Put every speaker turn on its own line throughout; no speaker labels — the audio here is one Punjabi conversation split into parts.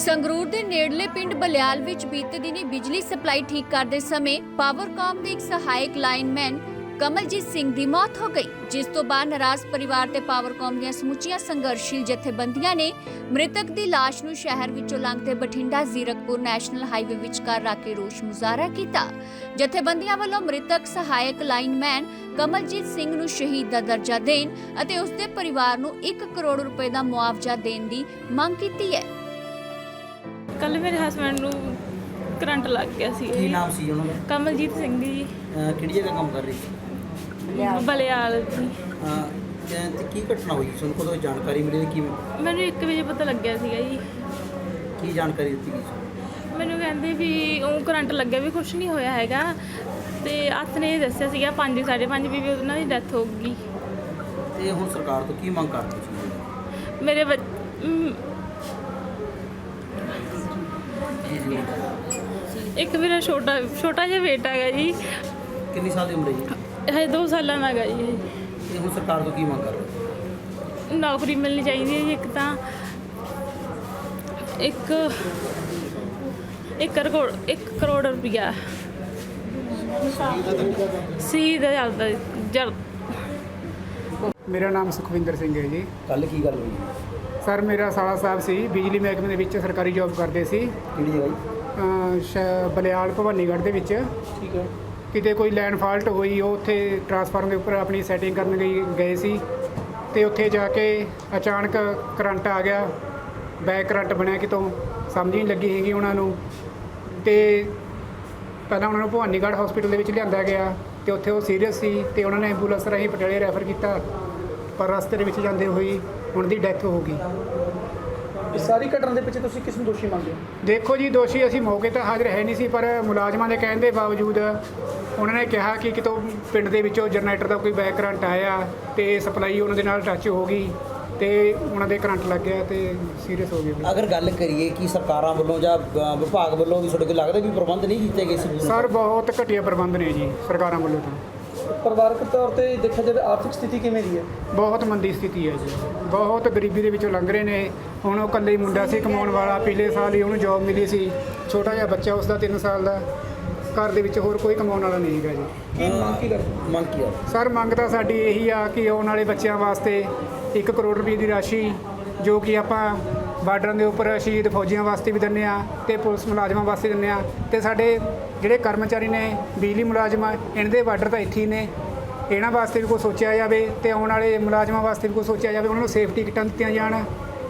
ਸੰਗਰੂਰ ਦੇ ਨੇੜਲੇ ਪਿੰਡ ਬਲਿਆਲ ਵਿੱਚ ਬੀਤੇ ਦਿਨੀ ਬਿਜਲੀ ਸਪਲਾਈ ਠੀਕ ਕਰਦੇ ਸਮੇਂ ਪਾਵਰਕਾਮ ਦੇ ਇੱਕ ਸਹਾਇਕ ਲਾਈਨਮੈਨ ਕਮਲਜੀਤ ਸਿੰਘ ਦੀ ਮੌਤ ਹੋ ਗਈ, ਜਿਸ ਤੋਂ ਬਾਅਦ ਨਾਰਾਜ਼ ਪਰਿਵਾਰ ਤੇ ਪਾਵਰਕਾਮ ਦੀਆਂ ਸਮੁੱਚੀਆਂ ਸੰਘਰਸ਼ੀਲ ਜਥੇਬੰਦੀਆਂ ਨੇ ਮ੍ਰਿਤਕ ਦੀ ਲਾਸ਼ ਨੂੰ ਸ਼ਹਿਰ ਵਿੱਚੋਂ ਲੰਘਦੇ ਬਠਿੰਡਾ ਜ਼ੀਰਕਪੁਰ ਨੈਸ਼ਨਲ ਹਾਈਵੇ ਵਿਚਕਾਰ ਰੱਖ ਕੇ ਰੋਸ ਮੁਜ਼ਾਹਰਾ ਕੀਤਾ। ਜਥੇਬੰਦੀਆਂ ਵੱਲੋਂ ਮ੍ਰਿਤਕ ਸਹਾਇਕ ਲਾਈਨਮੈਨ ਕਮਲਜੀਤ ਸਿੰਘ ਨੂੰ ਸ਼ਹੀਦ ਦਾ ਦਰਜਾ ਦੇਣ ਅਤੇ ਉਸ ਦੇ ਪਰਿਵਾਰ ਨੂੰ 1 ਕਰੋੜ ਰੁਪਏ ਦਾ ਮੁਆਵਜ਼ਾ ਦੇਣ ਦੀ ਮੰਗ ਕੀਤੀ ਹੈ।
ਕੱਲ ਮੇਰੇ ਹਸਬੈਂਡ ਨੂੰ ਕਰੰਟ ਲੱਗ ਗਿਆ ਸੀ।
ਕੀ ਨਾਮ ਸੀ ਉਹਨਾਂ ਦਾ?
ਕਮਲਜੀਤ ਸਿੰਘ ਜੀ।
ਕਿਹੜੀ ਜਗ੍ਹਾ ਕੰਮ ਕਰ ਰਹੀ ਸੀ?
ਬਲਿਆਲ ਜੀ।
ਤੇ ਕੀ ਘਟਨਾ ਹੋਈ? ਤੁਹਾਨੂੰ ਕਦੋਂ ਜਾਣਕਾਰੀ ਮਿਲੀ? ਕਿਵੇਂ?
ਮੈਨੂੰ 1 ਵਜੇ ਪਤਾ ਲੱਗਿਆ ਸੀਗਾ ਜੀ।
ਕੀ ਜਾਣਕਾਰੀ ਦਿੱਤੀ ਗਈ?
ਮੈਨੂੰ ਕਹਿੰਦੇ ਵੀ ਉਹ ਕਰੰਟ ਲੱਗਿਆ ਵੀ ਕੁਝ ਨਹੀਂ ਹੋਇਆ ਹੈਗਾ, ਤੇ ਹੱਥ ਨੇ ਇਹ ਦੱਸਿਆ ਸੀਗਾ 5 5:30 ਵੀ ਉਹਨਾਂ ਦੀ ਡੈਥ ਹੋ ਗਈ।
ਤੇ ਹੁਣ ਸਰਕਾਰ ਤੋਂ ਕੀ ਮੰਗ ਕਰਦੇ ਸੀ?
ਮੇਰੇ ਇੱਕ ਮੇਰਾ ਛੋਟਾ ਜਿਹਾ ਬੇਟਾ ਹੈਗਾ ਜੀ।
ਕਿੰਨੀ ਸਾਲ ਦੀ ਉਮਰ ਹੈ ਜੀ?
ਹਜੇ 2 ਸਾਲਾਂ ਦਾ ਹੈਗਾ ਜੀ।
ਤੇ ਹੁਣ ਸਰਕਾਰ ਤੋਂ ਕੀ ਮੰਗ ਕਰ ਰਹੇ?
ਨੌਕਰੀ ਮਿਲਣੀ ਚਾਹੀਦੀ ਹੈ ਜੀ। ਇੱਕ ਤਾਂ 1 ਕਰੋੜ ਰੁਪਇਆ ਸ਼ਹੀਦ ਜਲ।
ਮੇਰਾ ਨਾਮ ਸੁਖਵਿੰਦਰ ਸਿੰਘ ਹੈ ਜੀ।
ਕੱਲ ਕੀ ਗੱਲ ਹੋਈ?
ਸਰ ਮੇਰਾ ਸਾਲਾ ਸਾਹਿਬ ਸੀ, ਬਿਜਲੀ ਮਹਿਕਮੇ ਦੇ ਵਿੱਚ ਸਰਕਾਰੀ ਜੌਬ ਕਰਦੇ ਸੀ।
ਕਿਹੜੀ ਜਗ੍ਹਾ ਜੀ?
ਬਲਿਆਲ ਭਵਾਨੀਗੜ੍ਹ ਦੇ ਵਿੱਚ।
ਠੀਕ ਹੈ।
ਕਿਤੇ ਕੋਈ ਲਾਈਨ ਫਾਲਟ ਹੋਈ, ਉਹ ਉੱਥੇ ਟਰਾਂਸਫਾਰਮਰ ਦੇ ਉੱਪਰ ਆਪਣੀ ਸੈਟਿੰਗ ਕਰਨ ਗਏ ਸੀ, ਤੇ ਉੱਥੇ ਜਾ ਕੇ ਅਚਾਨਕ ਕਰੰਟ ਆ ਗਿਆ। ਬੈਕ ਕਰੰਟ ਬਣਿਆ, ਕਿਤੋਂ ਸਮਝ ਨਹੀਂ ਲੱਗੀ ਹੈਗੀ ਉਹਨਾਂ ਨੂੰ। ਤੇ ਪਹਿਲਾਂ ਉਹਨਾਂ ਨੂੰ ਭਵਾਨੀਗੜ੍ਹ ਹਸਪੀਟਲ ਦੇ ਵਿੱਚ ਲਿਆਂਦਾ ਗਿਆ, ਤੇ ਉੱਥੇ ਉਹ ਸੀਰੀਅਸ ਸੀ, ਤੇ ਉਹਨਾਂ ਨੇ ਐਂਬੂਲੈਂਸ ਰਾਹੀਂ ਪਟਿਆਲੇ ਰੈਫਰ ਕੀਤਾ, ਪਰ ਰਸਤੇ ਦੇ ਵਿੱਚ ਜਾਂਦੇ ਹੋਈ ਉਹਨਾਂ ਦੀ ਡੈਥ ਹੋ ਗਈ।
ਇਸ ਸਾਰੀ ਘਟਨਾ ਦੇ ਪਿੱਛੇ ਤੁਸੀਂ ਕਿਸ ਨੂੰ ਦੋਸ਼ੀ ਮੰਨਦੇ ਹੋ?
ਦੇਖੋ ਜੀ, ਦੋਸ਼ੀ ਅਸੀਂ ਮੌਕੇ ਤੇ ਹਾਜ਼ਰ ਹੈ ਨਹੀਂ ਸੀ, ਪਰ ਮੁਲਾਜ਼ਮਾਂ ਦੇ ਕਹਿਣ ਦੇ ਬਾਵਜੂਦ ਉਹਨਾਂ ਨੇ ਕਿਹਾ ਕਿ ਕਿਤੋਂ ਪਿੰਡ ਦੇ ਵਿੱਚੋਂ ਜਨਰੇਟਰ ਦਾ ਕੋਈ ਬੈਕ ਕਰੰਟ ਆਇਆ, ਤੇ ਸਪਲਾਈ ਉਹਨਾਂ ਦੇ ਨਾਲ ਟੱਚ ਹੋ ਗਈ, ਤੇ ਉਹਨਾਂ ਦੇ ਕਰੰਟ ਲੱਗ ਗਿਆ, ਤੇ ਸੀਰੀਅਸ ਹੋ ਗਏ।
ਅਗਰ ਗੱਲ ਕਰੀਏ ਕਿ ਸਰਕਾਰਾਂ ਵੱਲੋਂ ਜਾਂ ਵਿਭਾਗ ਵੱਲੋਂ ਵੀ ਤੁਹਾਡੇ ਕੋਲ ਲੱਗਦਾ ਵੀ ਪ੍ਰਬੰਧ ਨਹੀਂ ਕੀਤੇ ਗਏ ਸੀ?
ਸਰ ਬਹੁਤ ਘਟੀਆ ਪ੍ਰਬੰਧ ਨੇ ਜੀ ਸਰਕਾਰਾਂ ਵੱਲੋਂ। ਤਾਂ
ਪਰਿਵਾਰਕ ਤੌਰ ਤੇ ਦੇਖਿਆ ਜਾਵੇ ਆਰਥਿਕ ਸਥਿਤੀ ਕਿਵੇਂ ਦੀ ਹੈ?
ਬਹੁਤ ਮੰਦੀ ਸਥਿਤੀ ਹੈ ਜੀ, ਬਹੁਤ ਗਰੀਬੀ ਦੇ ਵਿੱਚੋਂ ਲੰਘ ਰਹੇ ਨੇ। ਹੁਣ ਉਹ ਇਕੱਲੇ ਹੀ ਮੁੰਡਾ ਸੀ ਕਮਾਉਣ ਵਾਲਾ, ਪਿਛਲੇ ਸਾਲ ਹੀ ਉਹਨੂੰ ਜੌਬ ਮਿਲੀ ਸੀ, ਛੋਟਾ ਜਿਹਾ ਬੱਚਾ ਉਸਦਾ 3 ਸਾਲ ਦਾ। ਘਰ ਦੇ ਵਿੱਚ ਹੋਰ ਕੋਈ ਕਮਾਉਣ ਵਾਲਾ ਨਹੀਂ ਹੈਗਾ ਜੀ।
ਕੀ ਮੰਗ ਕੀ ਕਰਦੇ?
ਮੰਗ ਕੀ ਆ?
ਸਰ ਮੰਗ ਤਾਂ ਸਾਡੀ ਇਹੀ ਆ ਕਿ ਆਉਣ ਵਾਲੇ ਬੱਚਿਆਂ ਵਾਸਤੇ 1 ਕਰੋੜ ਰੁਪਏ ਦੀ ਰਾਸ਼ੀ, ਜੋ ਕਿ ਆਪਾਂ ਬਾਰਡਰਾਂ ਦੇ ਉੱਪਰ ਸ਼ਹੀਦ ਫੌਜੀਆਂ ਵਾਸਤੇ ਵੀ ਦਿੰਦੇ ਆ, ਤੇ ਪੁਲਿਸ ਮੁਲਾਜ਼ਮਾਂ ਵਾਸਤੇ ਦਿੰਦੇ ਆ, ਤੇ ਸਾਡੇ ਜਿਹੜੇ ਕਰਮਚਾਰੀ ਨੇ ਬਿਜਲੀ ਮੁਲਾਜ਼ਮ, ਇਹਨਾਂ ਦੇ ਬਾਰਡਰ ਤਾਂ ਇੱਥੇ ਹੀ ਨੇ, ਇਹਨਾਂ ਵਾਸਤੇ ਵੀ ਕੁਛ ਸੋਚਿਆ ਜਾਵੇ, ਤੇ ਆਉਣ ਵਾਲੇ ਮੁਲਾਜ਼ਮਾਂ ਵਾਸਤੇ ਵੀ ਕੁਛ ਸੋਚਿਆ ਜਾਵੇ, ਉਹਨਾਂ ਨੂੰ ਸੇਫਟੀ ਕਿੱਟਾਂ ਦਿੱਤੀਆਂ ਜਾਣ।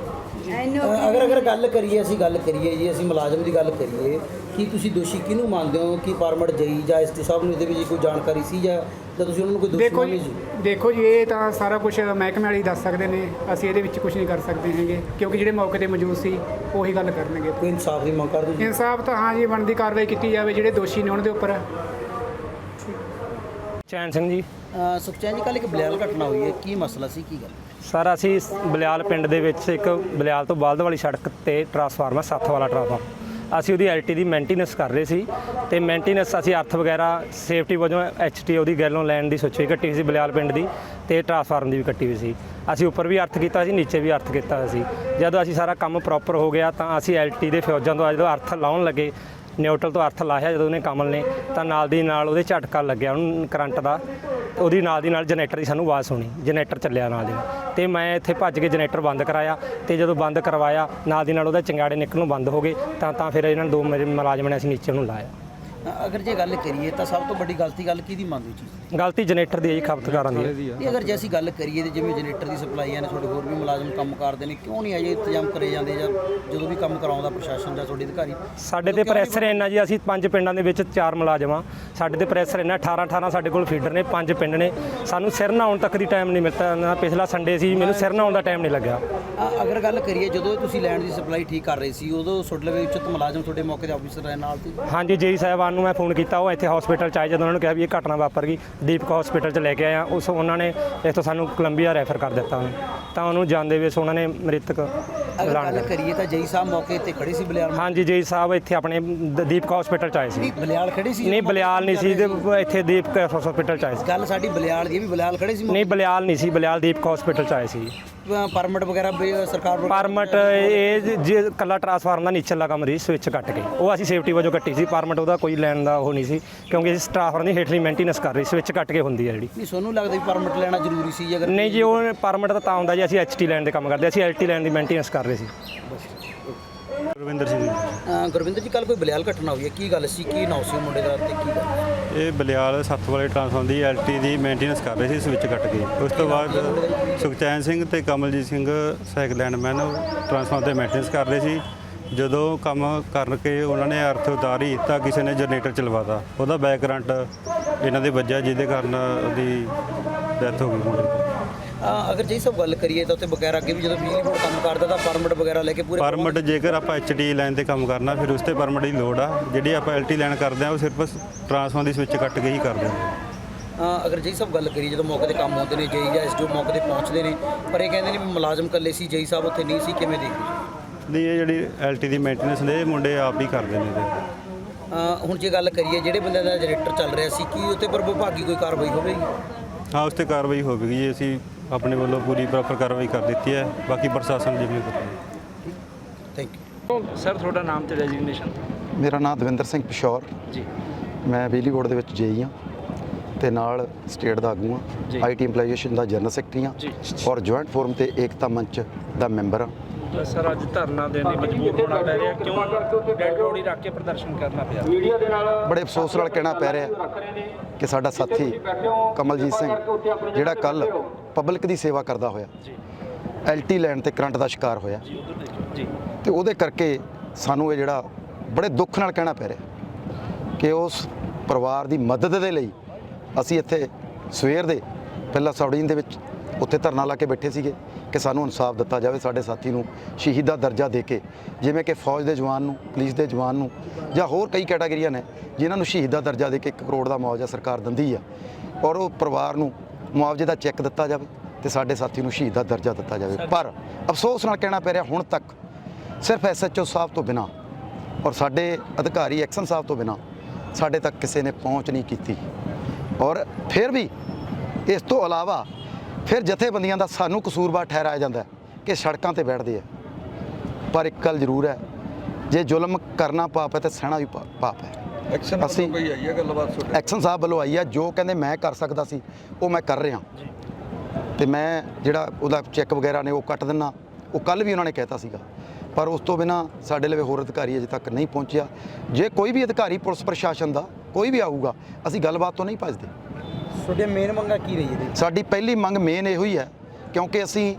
ਅਗਰ ਗੱਲ ਕਰੀਏ, ਅਸੀਂ ਮੁਲਾਜ਼ਮ ਦੀ ਗੱਲ ਕਰੀਏ, ਕੀ ਤੁਸੀਂ ਦੋਸ਼ੀ ਕਿਹਨੂੰ ਮੰਨਦੇ ਹੋ? ਕਿ ਪਰਮਿਟ ਜਈ ਜਾਂ ਐਸਟੀ ਸਾਹਿਬ ਨੂੰ ਇਹਦੇ ਵਿੱਚ ਕੋਈ ਜਾਣਕਾਰੀ ਸੀ, ਜਾਂ ਤੁਸੀਂ ਉਹਨਾਂ ਨੂੰ ਕੋਈ ਦੋਸ਼ੀ ਮੰਨਦੇ ਸੀ?
ਦੇਖੋ ਜੀ, ਇਹ ਤਾਂ ਸਾਰਾ ਕੁਝ ਮਹਿਕਮੇ ਵਾਲੇ ਦੱਸ ਸਕਦੇ ਨੇ, ਅਸੀਂ ਇਹਦੇ ਵਿੱਚ ਕੁਝ ਨਹੀਂ ਕਰ ਸਕਦੇ ਹੈਗੇ, ਕਿਉਂਕਿ ਜਿਹੜੇ ਮੌਕੇ 'ਤੇ ਮੌਜੂਦ ਸੀ ਉਹੀ ਗੱਲ ਕਰਨਗੇ।
ਕੋਈ ਇਨਸਾਫ ਦੀ ਮੰਗ ਕਰਦੇ ਜੀ?
ਇਨਸਾਫ ਤਾਂ ਹਾਂ ਜੀ, ਬਣਦੀ ਕਾਰਵਾਈ ਕੀਤੀ ਜਾਵੇ, ਜਿਹੜੇ ਦੋਸ਼ੀ ਨੇ ਉਹਨਾਂ ਦੇ ਉੱਪਰ।
ਚੈਨ ਸਿੰਘ ਜੀ।
ਸੁਖਚੈਨ ਜੀ, ਕੱਲ੍ਹ ਇੱਕ ਬਲਿਆਲ ਘਟਨਾ ਹੋਈ ਹੈ, ਕੀ ਮਸਲਾ ਸੀ, ਕੀ ਗੱਲ?
ਸਰ ਅਸੀਂ ਬਲਿਆਲ ਪਿੰਡ ਦੇ ਵਿੱਚ ਇੱਕ ਬਲਿਆਲ ਤੋਂ ਬਾਲਦ ਵਾਲੀ ਸੜਕ ਤੇ ਟਰਾਂਸਫਾਰਮਰ 7 ਵਾਲਾ ਟਰਾਂਸਫਾਰਮਰ, ਅਸੀਂ ਉਹਦੀ ਐਲਟੀ ਦੀ ਮੇਨਟੇਨੈਂਸ ਕਰ ਰਹੇ ਸੀ, ਤੇ ਮੇਨਟੇਨੈਂਸ ਅਸੀਂ ਅਰਥ ਵਗੈਰਾ ਸੇਫਟੀ ਵਜੋਂ ਐਚਟੀ ਉਹਦੀ ਗੈਲੋਂ ਲੈਣ ਦੀ ਸੋਚੀ ਕੱਟੀ ਹੋਈ ਸੀ ਬਲਿਆਲ ਪਿੰਡ ਦੀ, ਤੇ ਟਰਾਂਸਫਾਰਮਰ ਦੀ ਵੀ ਕੱਟੀ ਹੋਈ ਸੀ। ਅਸੀਂ ਉੱਪਰ ਵੀ ਅਰਥ ਕੀਤਾ ਸੀ, ਨੀਚੇ ਵੀ ਅਰਥ ਕੀਤਾ ਸੀ। ਜਦੋਂ ਅਸੀਂ ਸਾਰਾ ਕੰਮ ਪ੍ਰੋਪਰ ਹੋ ਗਿਆ, ਤਾਂ ਅਸੀਂ ਐਲਟੀ ਦੇ ਫਿਊਜ਼ਾਂ ਤੋਂ ਜਦੋਂ ਅਰਥ ਲਾਉਣ ਲੱਗੇ, ਨਿਊਟਰਲ ਤੋਂ ਅਰਥ ਲਾਇਆ ਜਦੋਂ ਉਹਨੇ ਕਮਲ ਨੇ, ਤਾਂ ਨਾਲ ਦੀ ਨਾਲ ਉਹਦੇ ਝਟਕਾ ਲੱਗਿਆ ਉਹਨੂੰ ਕਰੰਟ ਦਾ। ਉਹਦੀ ਨਾਲ ਦੀ ਨਾਲ ਜਨਰੇਟਰ ਦੀ ਸਾਨੂੰ ਆਵਾਜ਼ ਸੁਣੀ, ਜਨਰੇਟਰ ਚੱਲਿਆ ਨਾਲ ਦੀ ਨਾਲ, ਤੇ ਮੈਂ ਇੱਥੇ ਭੱਜ ਕੇ ਜਨਰੇਟਰ ਬੰਦ ਕਰਾਇਆ, ਤੇ ਜਦੋਂ ਬੰਦ ਕਰਵਾਇਆ ਨਾਲ ਦੀ ਨਾਲ ਉਹਦਾ ਚੰਗਾੜੇ ਨਿਕਲਣੋਂ ਬੰਦ ਹੋ ਗਏ, ਤਾਂ ਫਿਰ ਇਹਨਾਂ ਨੇ 2 ਮੇਰੇ ਮੁਲਾਜ਼ਮਾਂ ਨੇ ਅਸੀਂ ਨੀਚੇ ਉਹਨੂੰ ਲਾਇਆ।
ਅਗਰ ਜੇ ਗੱਲ ਕਰੀਏ ਤਾਂ ਸਭ ਤੋਂ ਵੱਡੀ ਗਲਤੀ ਕੀ ਮੰਨਦੇ ਚੀਜ਼?
ਗਲਤੀ ਜਨਰੇਟਰ ਦੀ ਹੈ ਜੀ, ਖਪਤਕਾਰਾਂ ਦੀ ਹੈ।
ਇਹ ਅਗਰ ਜੇ ਅਸੀਂ ਗੱਲ ਕਰੀਏ ਤੇ ਜਿਵੇਂ ਜਨਰੇਟਰ ਦੀ ਸਪਲਾਈਆਂ ਨੇ, ਤੁਹਾਡੇ ਹੋਰ ਵੀ ਮੁਲਾਜ਼ਮ ਕੰਮ ਕਰਦੇ ਨੇ, ਕਿਉਂ ਨਹੀਂ ਅਜੇ ਇੰਤਜ਼ਾਮ ਕਰੇ ਜਾਂਦੇ, ਜਾਂ ਜਦੋਂ ਵੀ ਕੰਮ ਕਰਾਉਂਦਾ ਪ੍ਰਸ਼ਾਸਨ ਜਾਂ ਤੁਹਾਡੇ ਅਧਿਕਾਰੀ?
ਸਾਡੇ ਤੇ ਪ੍ਰੈਸ਼ਰ ਇੰਨਾ ਜੀ, ਅਸੀਂ 5 ਪਿੰਡਾਂ ਦੇ ਵਿੱਚ 4 ਮੁਲਾਜ਼ਮ ਆ, ਸਾਡੇ ਤੇ ਪ੍ਰੈਸ਼ਰ ਇੰਨਾ 18 ਸਾਡੇ ਕੋਲ ਫੀਡਰ ਨੇ, 5 ਪਿੰਡ ਨੇ, ਸਾਨੂੰ ਸਿਰ ਨਹਾਉਣ ਤੱਕ ਦੀ ਟਾਈਮ ਨਹੀਂ ਮਿਲਦਾ। ਪਿਛਲਾ ਸੰਡੇ ਸੀ, ਮੈਨੂੰ ਸਿਰ ਨਹਾਉਣ ਦਾ ਟਾਈਮ ਨਹੀਂ ਲੱਗਿਆ।
ਅਗਰ ਗੱਲ ਕਰੀਏ ਜਦੋਂ ਤੁਸੀਂ ਲੈਂਡ ਦੀ ਸਪਲਾਈ ਠੀਕ ਕਰ ਰਹੇ ਸੀ, ਉਦੋਂ ਤੁਹਾਡੇ ਵਿੱਚ ਉੱਚਿਤ ਮੁਲਾਜ਼ਮ ਤੁਹਾਡੇ ਮੌਕੇ ਦੇ ਆਫੀਸਰ ਰਹੇ ਨਾਲ ਸੀ?
ਹਾਂਜੀ, ਜੀ ਸਾਹਿਬਾਨ ਨੂੰ ਮੈਂ ਫੋਨ ਕੀਤਾ, ਉਹ ਇੱਥੇ ਹਸਪੀਟਲ 'ਚ ਆਏ। ਜਦੋਂ ਉਹਨਾਂ ਨੂੰ ਕਿਹਾ ਵੀ ਇਹ ਘਟਨਾ ਵਾਪਰ ਗਈ, ਦੀਪਕ ਹਸਪੀਟਲ 'ਚ ਲੈ ਕੇ ਆਇਆ, ਉਹਨਾਂ ਨੇ ਇੱਥੋਂ ਸਾਨੂੰ ਕੋਲੰਬੀਆ ਰੈਫਰ ਕਰ ਦਿੱਤਾ ਉਹਨੂੰ, ਤਾਂ ਉਹਨੂੰ ਜਾਂਦੇ ਵੇ ਉਹਨਾਂ ਨੇ ਮ੍ਰਿਤਕ
ਐਲਾਨ ਕਰ। ਕਰੀਏ ਤਾਂ ਜਈ ਸਾਹਿਬ ਮੌਕੇ ਤੇ ਖੜੇ ਸੀ ਬਲਿਆਲ?
ਹਾਂਜੀ, ਜੀ ਸਾਹਿਬ ਇੱਥੇ ਆਪਣੇ ਦੀਪਕ ਹਸਪੀਟਲ 'ਚ ਆਏ ਸੀ।
ਬਲਿਆਲ ਖੜੇ ਸੀ?
ਨਹੀਂ, ਬਲਿਆਲ ਨਹੀਂ ਸੀ, ਇੱਥੇ ਦੀਪਕ ਹਸਪੀਟਲ 'ਚ ਆਏ ਸੀ।
ਗੱਲ ਸਾਡੀ ਬਲਿਆਲ ਦੀ, ਵੀ ਬਲਿਆਲ ਖੜੇ ਸੀ?
ਨਹੀਂ, ਬਲਿਆਲ ਨਹੀਂ ਸੀ, ਬਲਿਆਲ ਦੀਪਕ ਹਸਪੀਟਲ 'ਚ ਆਏ ਸੀ।
ਪਰਮਿਟ ਵਗੈਰਾ ਵੀ ਸਰਕਾਰ ਵੱਲੋਂ?
ਪਰਮਿਟ ਇਹ ਜੇ ਕੱਲਾ ਟਰਾਂਸਫਾਰਮਰ ਦਾ ਨੀਚਲਾ ਕੰਮ ਰਹੀ, ਸਵਿੱਚ ਕੱਟ ਕੇ ਉਹ ਅਸੀਂ ਸੇਫਟੀ ਵਜੋਂ ਕੱਟੀ ਸੀ। ਪਰਮਿਟ ਉਹਦਾ ਕੋਈ ਲੈਣ ਦਾ ਉਹ ਨਹੀਂ ਸੀ, ਕਿਉਂਕਿ ਅਸੀਂ ਟਰਾਂਸਫਾਰਮਰ ਦੀ ਹੇਠਲੀ ਮੇਨਟੇਨੈਂਸ ਕਰ ਰਹੀ, ਸਵਿੱਚ ਕੱਟ ਕੇ ਹੁੰਦੀ ਹੈ ਜਿਹੜੀ।
ਨਹੀਂ ਤੁਹਾਨੂੰ ਲੱਗਦਾ ਵੀ ਪਰਮਿਟ ਲੈਣਾ ਜ਼ਰੂਰੀ ਸੀ? ਅਗਰ
ਨਹੀਂ ਜੀ, ਉਹ ਪਰਮਿਟ ਤਾਂ ਹੁੰਦਾ ਜੀ, ਅਸੀਂ ਐਚਟੀ ਲੈਣ ਦੇ ਕੰਮ ਕਰਦੇ, ਅਸੀਂ ਐਲਟੀ ਲੈਣ ਦੀ ਮੇਨਟੇਨੈਂਸ ਕਰ ਰਹੇ ਸੀ।
ਗੁਰਵਿੰਦਰ ਸਿੰਘ ਜੀ।
ਗੁਰਵਿੰਦਰ ਜੀ, ਕੱਲ ਕੋਈ ਬਲਿਆਲ ਘਟਨਾ ਹੋਈ ਹੈ, ਕੀ ਗੱਲ ਸੀ? ਕੀ ਨਾਂ ਸੀ ਮੁੰਡੇ ਦਾ ਤੇ ਕੀ ਗੱਲ?
ਇਹ ਬਲਿਆਲ ਸੱਤ ਵਾਲੇ ਟਰਾਂਸਫਾਰਮਰ ਦੀ ਐਲਟੀ ਦੀ ਮੇਨਟੇਨੈਂਸ ਕਰ ਰਹੇ ਸੀ, ਸਵਿੱਚ ਕੱਟ ਕੇ। ਉਸ ਤੋਂ ਬਾਅਦ ਸੁਖਚੈਨ ਸਿੰਘ ਤੇ ਕਮਲਜੀਤ ਸਿੰਘ ਸਾਈਕਲ ਲੈਂਡਮੈਨ ਟਰਾਂਸਫਾਰਮਰ ਤੇ ਮੇਨਟੇਨੈਂਸ ਕਰ ਰਹੇ ਸੀ। ਜਦੋਂ ਕੰਮ ਕਰਕੇ ਉਹਨਾਂ ਨੇ ਅਰਥ ਉਤਾਰੀ ਤਾਂ ਕਿਸੇ ਨੇ ਜਨਰੇਟਰ ਚਲਵਾਤਾ, ਉਹਦਾ ਬੈਕ ਕਰੰਟ ਇਹਨਾਂ ਦੇ ਵੱਜਿਆ, ਜਿਹਦੇ ਕਾਰਨ ਉਹਦੀ ਡੈਥ ਹੋ ਗਈ ਮੁੰਡੇ ਦੀ।
ਅਗਰ ਜੇ ਸਭ ਗੱਲ ਕਰੀਏ ਤਾਂ ਉੱਥੇ ਬਗੈਰ ਅੱਗੇ ਵੀ ਜਦੋਂ ਬਿਜਲੀ ਬੋਰਡ ਕੰਮ ਕਰਦਾ ਤਾਂ ਪਰਮਿਟ ਵਗੈਰਾ ਲੈ ਕੇ ਪੂਰੇ
ਪਰਮਿਟ ਜੇਕਰ ਆਪਾਂ ਐਚਟੀ ਲਾਈਨ ਤੇ ਕੰਮ ਕਰਨਾ ਫਿਰ ਉਸ ਤੇ ਪਰਮਿਟ ਦੀ ਲੋੜ ਆ। ਜਿਹੜੀ ਆਪਾਂ ਐਲਟੀ ਲਾਈਨ ਕਰਦੇ ਆ ਉਹ ਸਿਰਫ ਟਰਾਂਸਫਾਰਮਰ ਦੀ ਸਵਿੱਚ ਕੱਟ ਕੇ ਹੀ ਕਰਦੇ ਆ।
ਅਗਰ ਜੇ ਸਭ ਗੱਲ ਕਰੀਏ ਜਦੋਂ ਮੌਕੇ ਤੇ ਕੰਮ ਹੁੰਦੇ ਨੇ ਜੇਈ ਜਾਂ ਐਸਡੀਓ ਮੌਕੇ ਤੇ ਪਹੁੰਚਦੇ ਨੇ, ਪਰ ਇਹ ਕਹਿੰਦੇ ਨੇ ਵੀ ਮੁਲਾਜ਼ਮ ਇਕੱਲੇ ਸੀ, ਜੇਈ ਸਾਹਿਬ ਉੱਥੇ ਨਹੀਂ ਸੀ, ਕਿਵੇਂ ਦੇਖਦੇ?
ਨਹੀਂ, ਇਹ ਜਿਹੜੀ ਐਲਟੀ ਦੀ ਮੇਨਟੇਨੈਂਸ ਨੇ ਇਹ ਮੁੰਡੇ ਆਪ ਹੀ ਕਰਦੇ ਨੇ ਇਹਦੇ।
ਹੁਣ ਜੇ ਗੱਲ ਕਰੀਏ ਜਿਹੜੇ ਬੰਦੇ ਦਾ ਜਨਰੇਟਰ ਚੱਲ ਰਿਹਾ ਸੀ, ਕੀ ਉੱਤੇ ਪਰ ਵਿਭਾਗੀ ਕੋਈ ਕਾਰਵਾਈ ਹੋਵੇਗੀ?
ਹਾਂ, ਉਸ ਤੇ ਕਾਰਵਾਈ ਹੋਵੇਗੀ ਜੀ। ਅਸੀਂ ਆਪਣੇ ਵੱਲੋਂ ਪੂਰੀ ਪ੍ਰੋਪਰ ਕਾਰਵਾਈ ਕਰ ਦਿੱਤੀ ਹੈ, ਬਾਕੀ ਪ੍ਰਸ਼ਾਸਨ ਜਿਵੇਂ ਕਰੇਗਾ।
Thank you
sir. ਤੁਹਾਡਾ ਨਾਮ ਤੇ ਡੈਜ਼ਿਗਨੇਸ਼ਨ?
ਮੇਰਾ ਨਾਮ ਦਵਿੰਦਰ ਸਿੰਘ ਪਿਸ਼ੌਰ
ਜੀ।
ਮੈਂ ਬਿਜਲੀ ਬੋਰਡ ਦੇ ਵਿੱਚ ਜੇਈ ਹਾਂ ਤੇ ਨਾਲ ਸਟੇਟ ਦਾ ਆਗੂ ਹਾਂ, ਆਈਟੀ ਇੰਪਲਾਈਜੇਸ਼ਨ ਦਾ ਜਨਰਲ ਸੈਕਟਰੀ ਹਾਂ ਔਰ ਜੁਆਇੰਟ ਫੋਰਮ ਤੇ ਏਕਤਾ ਮੰਚ ਦਾ ਮੈਂਬਰ ਹਾਂ।
ਸਰ, ਅੱਜ ਧਰਨਾ ਦੇਣ ਲਈ ਮਜਬੂਰ ਹੋਣਾ ਪੈ ਰਿਹਾ, ਕਿਉਂ ਡੈਡ ਬੋਡੀ ਰੱਖ ਕੇ ਪ੍ਰਦਰਸ਼ਨ ਕਰਨਾ ਪਿਆ?
ਬੜੇ ਅਫਸੋਸ ਨਾਲ ਕਹਿਣਾ ਪੈ ਰਿਹਾ ਕਿ ਸਾਡਾ ਸਾਥੀ ਕਮਲਜੀਤ ਸਿੰਘ ਜਿਹੜਾ ਕੱਲ ਪਬਲਿਕ ਦੀ ਸੇਵਾ ਕਰਦਾ ਹੋਇਆ ਐਲਟੀ ਲੈਣ ਤੇ ਕਰੰਟ ਦਾ ਸ਼ਿਕਾਰ ਹੋਇਆ
ਜੀ,
ਤੇ ਉਹਦੇ ਕਰਕੇ ਸਾਨੂੰ ਇਹ ਜਿਹੜਾ ਬੜੇ ਦੁੱਖ ਨਾਲ ਕਹਿਣਾ ਪੈ ਰਿਹਾ ਕਿ ਉਸ ਪਰਿਵਾਰ ਦੀ ਮਦਦ ਦੇ ਲਈ ਅਸੀਂ ਇੱਥੇ ਸਵੇਰ ਦੇ ਪਹਿਲਾਂ ਸੌੜੀਨ ਦੇ ਵਿੱਚ ਉੱਥੇ ਧਰਨਾ ਲਾ ਕੇ ਬੈਠੇ ਸੀਗੇ ਕਿ ਸਾਨੂੰ ਇਨਸਾਫ ਦਿੱਤਾ ਜਾਵੇ, ਸਾਡੇ ਸਾਥੀ ਨੂੰ ਸ਼ਹੀਦ ਦਾ ਦਰਜਾ ਦੇ ਕੇ, ਜਿਵੇਂ ਕਿ ਫੌਜ ਦੇ ਜਵਾਨ ਨੂੰ, ਪੁਲਿਸ ਦੇ ਜਵਾਨ ਨੂੰ ਜਾਂ ਹੋਰ ਕਈ ਕੈਟਾਗਰੀਆਂ ਨੇ ਜਿਨ੍ਹਾਂ ਨੂੰ ਸ਼ਹੀਦ ਦਾ ਦਰਜਾ ਦੇ ਕੇ 1 ਕਰੋੜ ਦਾ ਮੁਆਵਜ਼ਾ ਸਰਕਾਰ ਦਿੰਦੀ ਆ, ਔਰ ਉਹ ਪਰਿਵਾਰ ਨੂੰ ਮੁਆਵਜ਼ੇ ਦਾ ਚੈੱਕ ਦਿੱਤਾ ਜਾਵੇ ਤੇ ਸਾਡੇ ਸਾਥੀ ਨੂੰ ਸ਼ਹੀਦ ਦਾ ਦਰਜਾ ਦਿੱਤਾ ਜਾਵੇ। ਪਰ ਅਫਸੋਸ ਨਾਲ ਕਹਿਣਾ ਪੈ ਰਿਹਾ ਹੁਣ ਤੱਕ ਸਿਰਫ ਐਸਐਚਓ ਸਾਹਿਬ ਤੋਂ ਬਿਨਾਂ ਔਰ ਸਾਡੇ ਅਧਿਕਾਰੀ ਐਕਸ਼ਨ ਸਾਹਿਬ ਤੋਂ ਬਿਨਾਂ ਸਾਡੇ ਤੱਕ ਕਿਸੇ ਨੇ ਪਹੁੰਚ ਨਹੀਂ ਕੀਤੀ। ਔਰ ਫਿਰ ਵੀ ਇਸ ਤੋਂ ਇਲਾਵਾ ਫਿਰ ਜਥੇਬੰਦੀਆਂ ਦਾ ਸਾਨੂੰ ਕਸੂਰਵਾਰ ਠਹਿਰਾਇਆ ਜਾਂਦਾ ਕਿ ਸੜਕਾਂ ਤੇ ਬੈਠਦੇ ਆ। ਪਰ ਇੱਕ ਗੱਲ ਜ਼ਰੂਰ ਹੈ, ਜੇ ਜ਼ੁਲਮ ਕਰਨਾ ਪਾਪ ਹੈ ਤੇ ਸਹਿਣਾ ਵੀ ਪਾਪ ਹੈ।
ਐਕਸ਼ਨ ਵੱਲੋਂ ਕੋਈ ਆਈ ਹੈ ਗੱਲਬਾਤ?
ਐਕਸ਼ਨ ਸਾਹਿਬ ਵੱਲੋਂ ਆਈ ਹੈ, ਜੋ ਕਹਿੰਦੇ ਮੈਂ ਕਰ ਸਕਦਾ ਸੀ ਉਹ ਮੈਂ ਕਰ ਰਿਹਾ ਤੇ ਮੈਂ ਜਿਹੜਾ ਉਹਦਾ ਚੈੱਕ ਵਗੈਰਾ ਨੇ ਉਹ ਕੱਟ ਦਿੰਨਾ, ਉਹ ਕੱਲ ਵੀ ਉਹਨਾਂ ਨੇ ਕਹਿਤਾ ਸੀਗਾ। ਪਰ ਉਸ ਤੋਂ ਬਿਨਾਂ ਸਾਡੇ ਲਵੇ ਹੋਰ ਅਧਿਕਾਰੀ ਅਜੇ ਤੱਕ ਨਹੀਂ ਪਹੁੰਚਿਆ। ਜੇ ਕੋਈ ਵੀ ਅਧਿਕਾਰੀ ਪੁਲਿਸ ਪ੍ਰਸ਼ਾਸਨ ਦਾ ਕੋਈ ਵੀ ਆਊਗਾ, ਅਸੀਂ ਗੱਲਬਾਤ ਤੋਂ ਨਹੀਂ ਭੱਜਦੇ।
ਤੁਹਾਡੀਆਂ ਮੇਨ ਮੰਗਾਂ ਕੀ ਰਹੀ ਹੈ?
ਸਾਡੀ ਪਹਿਲੀ ਮੰਗ ਮੇਨ ਇਹੋ ਹੀ ਹੈ, ਕਿਉਂਕਿ ਅਸੀਂ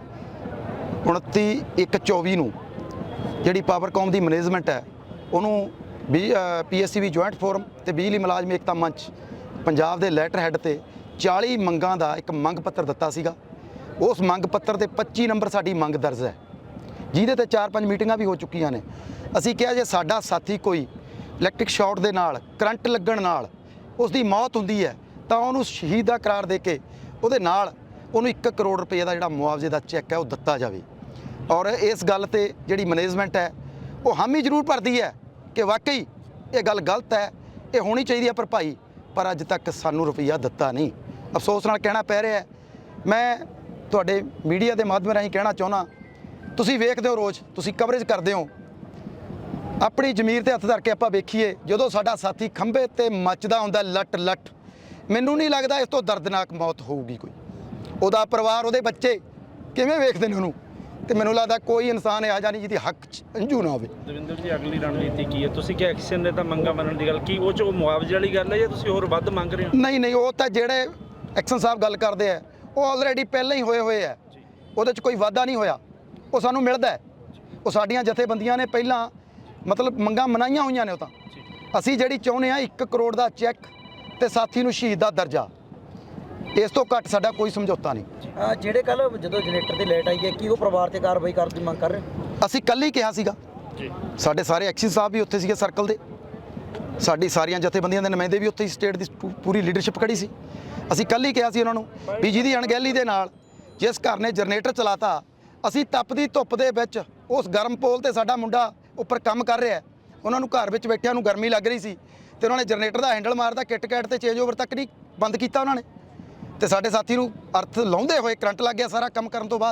29/1/24 ਨੂੰ ਜਿਹੜੀ ਪਾਵਰਕੌਮ ਦੀ ਮੈਨੇਜਮੈਂਟ ਹੈ ਉਹਨੂੰ PSCB ਜੁਆਇੰਟ ਫੋਰਮ ਤੇ ਬਿਜਲੀ ਮੁਲਾਜ਼ਮ ਏਕਤਾ ਮੰਚ ਪੰਜਾਬ ਦੇ ਲੈਟਰ ਹੈੱਡ ਤੇ 40 ਮੰਗਾਂ ਦਾ ਇੱਕ ਮੰਗ ਪੱਤਰ ਦਿੱਤਾ ਸੀਗਾ। ਉਸ ਮੰਗ ਪੱਤਰ ਤੇ 25 ਨੰਬਰ ਸਾਡੀ ਮੰਗ ਦਰਜ ਹੈ, ਜਿਹਦੇ ਤੇ 4-5 ਮੀਟਿੰਗਾਂ ਵੀ ਹੋ ਚੁੱਕੀਆਂ ਨੇ। ਅਸੀਂ ਕਿਹਾ ਜੇ ਸਾਡਾ ਸਾਥੀ ਕੋਈ ਇਲੈਕਟ੍ਰਿਕ ਸ਼ਾਰਟ ਦੇ ਨਾਲ, ਕਰੰਟ ਲੱਗਣ ਨਾਲ ਉਸ ਦੀ ਮੌਤ ਹੁੰਦੀ ਹੈ ਤਾਂ ਉਹਨੂੰ ਸ਼ਹੀਦ ਦਾ ਕਰਾਰ ਦੇ ਕੇ ਉਹਦੇ ਨਾਲ ਉਹਨੂੰ 1 ਕਰੋੜ ਰੁਪਏ ਦਾ ਜਿਹੜਾ ਮੁਆਵਜ਼ੇ ਦਾ ਚੈੱਕ ਹੈ ਉਹ ਦਿੱਤਾ ਜਾਵੇ। ਔਰ ਇਸ ਗੱਲ ਤੇ ਜਿਹੜੀ ਮੈਨੇਜਮੈਂਟ ਹੈ ਉਹ ਹਾਮੀ ਜ਼ਰੂਰ ਭਰਦੀ ਹੈ ਕਿ ਵਾਕਈ ਇਹ ਗੱਲ ਗਲਤ ਹੈ, ਇਹ ਹੋਣੀ ਚਾਹੀਦੀ ਹੈ ਭਰਪਾਈ, ਪਰ ਅੱਜ ਤੱਕ ਸਾਨੂੰ ਰੁਪਈਆ ਦਿੱਤਾ ਨਹੀਂ। ਅਫਸੋਸ ਨਾਲ ਕਹਿਣਾ ਪੈ ਰਿਹਾ। ਮੈਂ ਤੁਹਾਡੇ ਮੀਡੀਆ ਦੇ ਮਾਧਿਅਮ ਰਾਹੀਂ ਕਹਿਣਾ ਚਾਹੁੰਦਾ, ਤੁਸੀਂ ਵੇਖਦੇ ਹੋ ਰੋਜ਼, ਤੁਸੀਂ ਕਵਰੇਜ ਕਰਦੇ ਹੋ, ਆਪਣੀ ਜ਼ਮੀਰ ਤੇ ਹੱਥ ਧਰ ਕੇ ਆਪਾਂ ਵੇਖੀਏ ਜਦੋਂ ਸਾਡਾ ਸਾਥੀ ਖੰਭੇ ਤੇ ਮੱਚਦਾ ਹੁੰਦਾ ਲੱਟ ਲੱਟ, ਮੈਨੂੰ ਨਹੀਂ ਲੱਗਦਾ ਇਸ ਤੋਂ ਦਰਦਨਾਕ ਮੌਤ ਹੋਊਗੀ ਕੋਈ। ਉਹਦਾ ਪਰਿਵਾਰ, ਉਹਦੇ ਬੱਚੇ ਕਿਵੇਂ ਵੇਖਦੇ ਨੇ ਉਹਨੂੰ, ਤੇ ਮੈਨੂੰ ਲੱਗਦਾ ਕੋਈ ਇਨਸਾਨ ਇਹੋ ਜਿਹਾ ਨਹੀਂ ਜਿਹਦੀ ਹੱਕ 'ਚ ਅੰਜੂ ਨਾ ਹੋਵੇ।
ਦਵਿੰਦਰ ਜੀ, ਅਗਲੀ ਰਣਨੀਤੀ ਕੀ ਹੈ? ਤੁਸੀਂ ਕਿ ਐਕਸ਼ਨ ਨੇ ਤਾਂ ਮੰਗਾਂ ਮੰਨਣ ਦੀ ਗੱਲ ਕੀ, ਉਹ 'ਚ ਉਹ ਮੁਆਵਜ਼ੇ ਵਾਲੀ ਗੱਲ ਹੈ ਜਾਂ ਤੁਸੀਂ ਹੋਰ ਵੱਧ ਮੰਗ ਰਹੇ ਹੋ?
ਨਹੀਂ, ਉਹ ਤਾਂ ਜਿਹੜੇ ਐਕਸ਼ਨ ਸਾਹਿਬ ਗੱਲ ਕਰਦੇ ਆ ਉਹ ਆਲਰੇਡੀ ਪਹਿਲਾਂ ਹੀ ਹੋਏ ਆ, ਉਹਦੇ 'ਚ ਕੋਈ ਵਾਧਾ ਨਹੀਂ ਹੋਇਆ, ਉਹ ਸਾਨੂੰ ਮਿਲਦਾ। ਉਹ ਸਾਡੀਆਂ ਜਥੇਬੰਦੀਆਂ ਨੇ ਪਹਿਲਾਂ ਮਤਲਬ ਮੰਗਾਂ ਮਨਾਈਆਂ ਹੋਈਆਂ ਨੇ। ਉਹ ਤਾਂ ਅਸੀਂ ਜਿਹੜੀ ਚਾਹੁੰਦੇ ਆ 1 ਕਰੋੜ ਦਾ ਚੈੱਕ ਤੇ ਸਾਥੀ ਨੂੰ ਸ਼ਹੀਦ ਦਾ ਦਰਜਾ, ਇਸ ਤੋਂ ਘੱਟ ਸਾਡਾ ਕੋਈ ਸਮਝੌਤਾ ਨਹੀਂ।
ਜਿਹੜੇ ਕੱਲ ਜਦੋਂ ਜਨਰੇਟਰ ਤੇ ਲਾਈਟ ਆਈ ਹੈ, ਕੀ ਉਹ ਪਰਿਵਾਰ ਤੇ ਕਾਰਵਾਈ ਕਰਨ ਦੀ ਮੰਗ ਕਰ ਰਹੇ?
ਅਸੀਂ ਕੱਲ ਹੀ ਕਿਹਾ ਸੀਗਾ, ਸਾਡੇ ਸਾਰੇ ਐਕਸ਼ਨ ਸਾਹਿਬ ਵੀ ਉੱਥੇ ਸੀਗੇ ਸਰਕਲ ਦੇ, ਸਾਡੀ ਸਾਰੀਆਂ ਜਥੇਬੰਦੀਆਂ ਦੇ ਨੁਮਾਇੰਦੇ ਵੀ ਉੱਥੇ, ਸਟੇਟ ਦੀ ਪੂਰੀ ਲੀਡਰਸ਼ਿਪ ਖੜੀ ਸੀ। ਅਸੀਂ ਕੱਲ ਹੀ ਕਿਹਾ ਸੀ ਉਹਨਾਂ ਨੂੰ ਵੀ ਜਿਹਦੀ ਅਣਗਹਿਲੀ ਦੇ ਨਾਲ ਜਿਸ ਘਰ ਨੇ ਜਨਰੇਟਰ ਚਲਾਤਾ, ਅਸੀਂ ਤਪਦੀ ਧੁੱਪ ਦੇ ਵਿੱਚ ਉਸ ਗਰਮ ਪੋਲ ਤੇ ਸਾਡਾ ਮੁੰਡਾ ਉੱਪਰ ਕੰਮ ਕਰ ਰਿਹਾ, ਉਹਨਾਂ ਨੂੰ ਘਰ ਵਿੱਚ ਬੈਠਿਆਂ ਨੂੰ ਗਰਮੀ ਲੱਗ ਰਹੀ ਸੀ ਤੇ ਉਹਨਾਂ ਨੇ ਜਨਰੇਟਰ ਦਾ ਹੈਂਡਲ ਮਾਰਦਾ, ਕਿਟ ਕੈਟ ਤੇ ਚੇਂਜ ਓਵਰ ਤੱਕ ਨਹੀਂ ਬੰਦ ਕੀਤਾ ਉਹਨਾਂ ਨੇ, ਤੇ ਸਾਡੇ ਸਾਥੀ ਨੂੰ ਅਰਥ ਲਾਉਂਦੇ ਹੋਏ ਕਰੰਟ ਲੱਗ ਗਿਆ ਸਾਰਾ ਕੰਮ ਕਰਨ ਤੋਂ ਬਾਅਦ।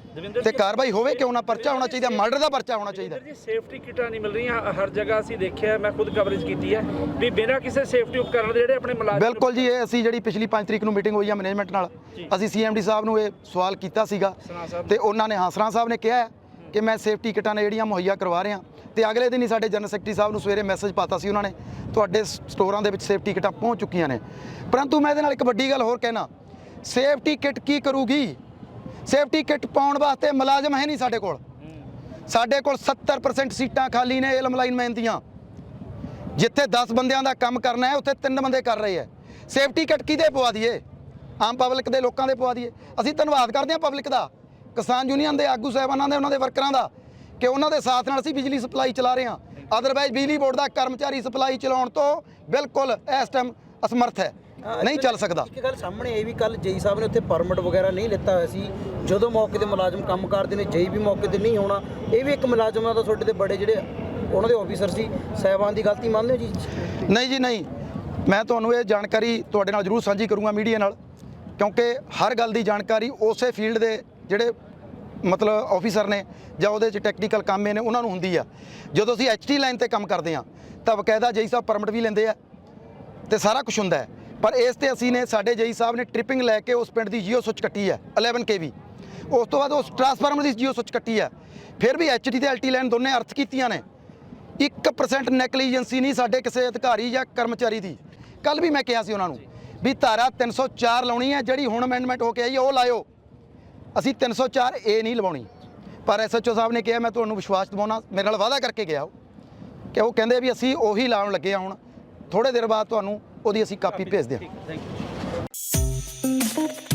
ਤੇ ਕਾਰਵਾਈ ਹੋਵੇ, ਕਿਉਂ ਨਾ ਪਰਚਾ ਹੋਣਾ ਚਾਹੀਦਾ, ਮਰਡਰ ਦਾ ਪਰਚਾ ਹੋਣਾ ਚਾਹੀਦਾ।
ਜੀ ਸੇਫਟੀ ਕਿਟਾਂ ਨਹੀਂ ਮਿਲ ਰਹੀਆਂ ਹਰ ਜਗ੍ਹਾ, ਅਸੀਂ ਦੇਖਿਆ, ਮੈਂ ਖੁਦ ਕਵਰੇਜ ਕੀਤੀ ਹੈ ਵੀ ਬਿਨਾਂ ਕਿਸੇ ਸੇਫਟੀ ਉਪਕਰਨ ਦੇ ਜਿਹੜੇ ਆਪਣੇ ਮੁਲਾਜ਼ਮ।
ਬਿਲਕੁਲ ਜੀ, ਇਹ ਅਸੀਂ ਜਿਹੜੀ ਪਿਛਲੀ 5 ਤਰੀਕ ਨੂੰ ਮੀਟਿੰਗ ਹੋਈ ਆ ਮੈਨੇਜਮੈਂਟ ਨਾਲ, ਅਸੀਂ CMD ਸਾਹਿਬ ਨੂੰ ਇਹ ਸਵਾਲ ਕੀਤਾ ਸੀਗਾ ਤੇ ਉਹਨਾਂ ਨੇ ਹਸਰਾ ਸਾਹਿਬ ਨੇ ਕਿਹਾ ਕਿ ਮੈਂ ਸੇਫਟੀ ਕਿਟਾਂ ਨੇ ਜਿਹੜੀਆਂ ਮੁਹੱਈਆ ਕਰਵਾ ਰਿਹਾ, ਤੇ ਅਗਲੇ ਦਿਨ ਹੀ ਸਾਡੇ ਜਨਰਲ ਸੈਕਟਰੀ ਸਾਹਿਬ ਨੂੰ ਸਵੇਰੇ ਮੈਸੇਜ ਪਾਤਾ ਸੀ ਉਹਨਾਂ ਨੇ, ਤੁਹਾਡੇ ਸਟੋਰਾਂ ਦੇ ਵਿੱਚ ਸੇਫਟੀ ਕਿਟਾਂ ਪਹੁੰਚ ਚੁੱਕੀਆਂ ਨੇ। ਪਰੰਤੂ ਮੈਂ ਇਹਦੇ ਨਾਲ ਇੱਕ ਵੱਡੀ ਗੱਲ ਹੋਰ ਕਹਿਣਾ, ਸੇਫਟੀ ਕਿਟ ਕੀ ਕਰੂਗੀ? ਸੇਫਟੀ ਕਿਟ ਪਾਉਣ ਵਾਸਤੇ ਮੁਲਾਜ਼ਮ ਹੈ ਨਹੀਂ ਸਾਡੇ ਕੋਲ। ਸਾਡੇ ਕੋਲ 70% ਸੀਟਾਂ ਖਾਲੀ ਨੇ ਇਲਮ ਲਾਈਨਮੈਨ ਦੀਆਂ। ਜਿੱਥੇ 10 ਬੰਦਿਆਂ ਦਾ ਕੰਮ ਕਰਨਾ ਹੈ ਉੱਥੇ 3 ਬੰਦੇ ਕਰ ਰਹੇ ਹੈ। ਸੇਫਟੀ ਕਿਟ ਕਿਹਦੇ ਪਵਾ ਦਈਏ? ਆਮ ਪਬਲਿਕ ਦੇ ਲੋਕਾਂ ਦੇ ਪਵਾ ਦਈਏ। ਅਸੀਂ ਧੰਨਵਾਦ ਕਰਦੇ ਹਾਂ ਪਬਲਿਕ ਦਾ, ਕਿਸਾਨ ਯੂਨੀਅਨ ਦੇ ਆਗੂ ਸਾਹਿਬਾਨਾਂ ਦੇ, ਉਹਨਾਂ ਦੇ ਵਰਕਰਾਂ ਦਾ, ਕਿ ਉਹਨਾਂ ਦੇ ਸਾਥ ਨਾਲ ਅਸੀਂ ਬਿਜਲੀ ਸਪਲਾਈ ਚਲਾ ਰਹੇ ਹਾਂ। ਅਦਰਵਾਈਜ਼ ਬਿਜਲੀ ਬੋਰਡ ਦਾ ਕਰਮਚਾਰੀ ਸਪਲਾਈ ਚਲਾਉਣ ਤੋਂ ਬਿਲਕੁਲ ਇਸ ਟਾਈਮ ਅਸਮਰਥ ਹੈ, ਨਹੀਂ ਚੱਲ ਸਕਦਾ।
ਇੱਕ ਗੱਲ ਸਾਹਮਣੇ ਇਹ ਵੀ ਕੱਲ ਜੇਈ ਸਾਹਿਬ ਨੇ ਉੱਥੇ ਪਰਮਿਟ ਵਗੈਰਾ ਨਹੀਂ ਲਿੱਤਾ ਹੋਇਆ ਸੀ, ਜਦੋਂ ਮੌਕੇ ਦੇ ਮੁਲਾਜ਼ਮ ਕੰਮ ਕਰਦੇ ਨੇ ਜੇਈ ਵੀ ਮੌਕੇ ਤੇ ਨਹੀਂ ਹੋਣਾ, ਇਹ ਵੀ ਇੱਕ ਮੁਲਾਜ਼ਮਾਂ ਦਾ ਤੁਹਾਡੇ ਤੇ ਬੜੇ ਜਿਹੜੇ ਉਹਨਾਂ ਦੇ ਆਫੀਸਰ ਸੀ ਸਾਹਿਬਾਨ ਦੀ ਗਲਤੀ ਮੰਨਦੇ ਹੋ ਜੀ? ਨਹੀਂ
ਜੀ ਨਹੀਂ, ਮੈਂ ਤੁਹਾਨੂੰ ਇਹ ਜਾਣਕਾਰੀ ਤੁਹਾਡੇ ਨਾਲ ਜ਼ਰੂਰ ਸਾਂਝੀ ਕਰੂੰਗਾ ਮੀਡੀਆ ਨਾਲ, ਕਿਉਂਕਿ ਹਰ ਗੱਲ ਦੀ ਜਾਣਕਾਰੀ ਉਸੇ ਫੀਲਡ ਦੇ ਜਿਹੜੇ ਮਤਲਬ ਆਫੀਸਰ ਨੇ ਜਾਂ ਉਹਦੇ 'ਚ ਟੈਕਨੀਕਲ ਕੰਮ ਨੇ ਉਹਨਾਂ ਨੂੰ ਹੁੰਦੀ ਆ। ਜਦੋਂ ਅਸੀਂ HT ਲਾਈਨ ਤੇ ਕੰਮ ਕਰਦੇ ਹਾਂ ਤਾਂ ਬਕਾਇਦਾ ਜੇਈ ਸਾਹਿਬ ਪਰਮਿਟ ਵੀ ਲੈਂਦੇ ਆ ਤੇ ਸਾਰਾ ਕੁਝ ਹੁੰਦਾ ਹੈ, ਪਰ ਇਸ ਤੇ ਅਸੀਂ ਨੇ ਸਾਡੇ ਜੇਈ ਸਾਹਿਬ ਨੇ ਟ੍ਰਿਪਿੰਗ ਲੈ ਕੇ ਉਸ ਪਿੰਡ ਦੀ ਜੀਓ ਸੁੱਚ ਕੱਟੀ ਹੈ 11 kV, ਉਸ ਤੋਂ ਬਾਅਦ ਉਸ ਟਰਾਂਸਫਾਰਮਰ ਦੀ ਜੀਓ ਸੁੱਚ ਕੱਟੀ ਹੈ, ਫਿਰ ਵੀ HT ਤੇ LT ਲਾਈਨ ਦੋਨੇ ਅਰਥ ਕੀਤੀਆਂ ਨੇ। 1% ਨੈਗਲੀਜੈਂਸੀ ਨਹੀਂ ਸਾਡੇ ਕਿਸੇ ਅਧਿਕਾਰੀ ਜਾਂ ਕਰਮਚਾਰੀ ਦੀ। ਕੱਲ ਵੀ ਮੈਂ ਕਿਹਾ ਸੀ ਉਹਨਾਂ ਨੂੰ ਵੀ ਧਾਰਾ 304 ਲਾਉਣੀ ਹੈ, ਜਿਹੜੀ ਹੁਣ ਅਮੈਂਡਮੈਂਟ ਹੋ ਕੇ ਆਈ ਉਹ ਲਾਇਓ, ਅਸੀਂ 304A ਨਹੀਂ ਲਵਾਉਣੀ। ਪਰ SHO ਸਾਹਿਬ ਨੇ ਕਿਹਾ, ਮੈਂ ਤੁਹਾਨੂੰ ਵਿਸ਼ਵਾਸ ਦਿਵਾਉਣਾ, ਮੇਰੇ ਨਾਲ ਵਾਅਦਾ ਕਰਕੇ ਗਿਆ ਕਿ ਉਹ ਕਹਿੰਦੇ ਵੀ ਅਸੀਂ ਉਹੀ ਲਾਉਣ ਲੱਗੇ ਹਾਂ। ਹੁਣ ਥੋੜੇ ਦੇਰ ਬਾਅਦ ਤੁਹਾਨੂੰ ਉਹਦੀ ਅਸੀਂ ਕਾਪੀ ਭੇਜ ਦਿਆਂ।